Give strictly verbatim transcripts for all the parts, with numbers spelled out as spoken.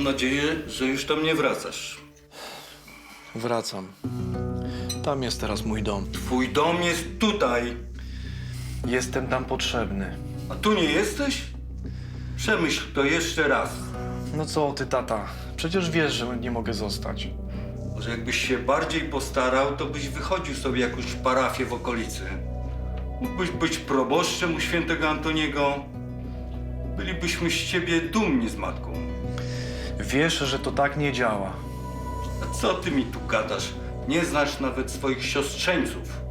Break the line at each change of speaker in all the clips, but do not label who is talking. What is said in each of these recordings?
nadzieję, że już tam nie wracasz.
Wracam. Tam jest teraz mój dom.
Twój dom jest tutaj,
Jestem tam potrzebny.
a tu nie jesteś? Przemyśl to jeszcze raz.
No co ty, tata? Przecież wiesz, że nie mogę zostać.
Może jakbyś się bardziej postarał, to byś wychodził sobie jakąś parafię w okolicy. Mógłbyś być proboszczem u świętego Antoniego. Bylibyśmy z ciebie dumni z matką.
Wiesz, że to tak nie działa.
A co ty mi tu gadasz? Nie znasz nawet swoich siostrzeńców.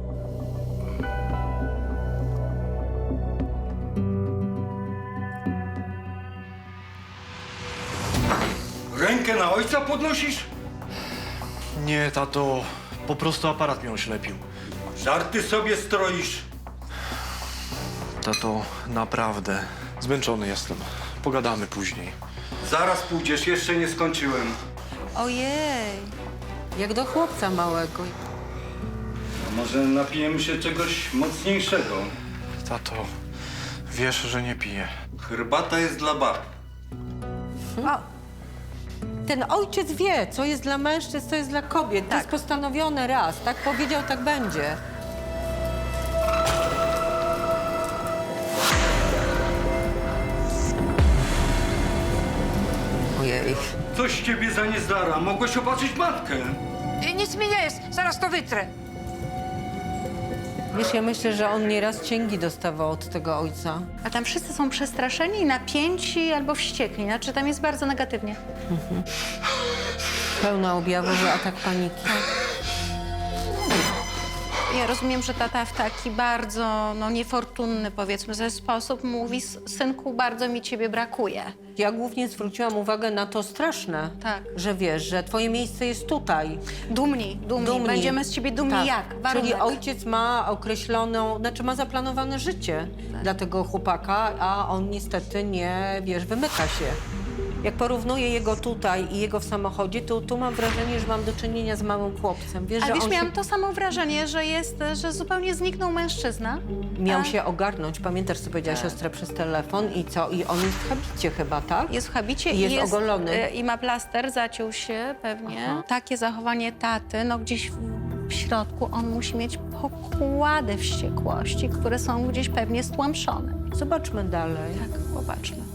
Rękę na ojca podnosisz?
Nie, tato. Po prostu aparat mnie oślepił.
Żarty sobie stroisz.
Tato, naprawdę. Zmęczony jestem. Pogadamy później.
Zaraz pójdziesz, jeszcze nie skończyłem.
Ojej, jak do chłopca małego.
A może napijemy się czegoś mocniejszego?
Tato, wiesz, że nie piję.
Herbata jest dla bab.
A, ten ojciec wie, co jest dla mężczyzn, co jest dla kobiet. To jest postanowione raz. Tak powiedział, tak będzie. Ojej.
Coś ciebie za niezdara. Mogłeś opatrzyć matkę.
Nic mi nie jest, zaraz to wytrę.
Wiesz, ja myślę, że on nieraz cięgi dostawał od tego ojca.
A tam wszyscy są przestraszeni, napięci albo wściekli. Znaczy tam jest bardzo negatywnie.
Pełna objawowy atak paniki.
Ja rozumiem, że tata w taki bardzo no, niefortunny, powiedzmy, ze sposób mówi: synku, bardzo mi ciebie brakuje.
Ja głównie zwróciłam uwagę na to straszne,
Tak.
że wiesz, że twoje miejsce jest tutaj.
Dumni, dumni.
Dumni.
Będziemy z ciebie dumni
Tak.
jak?
Czyli
Warunek.
ojciec ma określoną, znaczy ma zaplanowane życie dla tego chłopaka, a on niestety nie, wiesz, wymyka się. Jak porównuję jego tutaj i jego w samochodzie, to tu mam wrażenie, że mam do czynienia z małym chłopcem. Wiesz,
Ale
że
wiesz,
on
miałam
się
to samo wrażenie, że jest, że zupełnie zniknął mężczyzna.
miał
A
się ogarnąć. Pamiętasz, co powiedziała siostra przez telefon i co? I on jest w habicie chyba, tak?
Jest w habicie
I jest
i
ogolony.
e, I ma plaster, zaciął się pewnie.
Aha.
Takie zachowanie taty, no gdzieś w, w środku on musi mieć pokłady wściekłości, które są gdzieś pewnie stłamszone.
Zobaczmy dalej.
Tak, popatrzmy.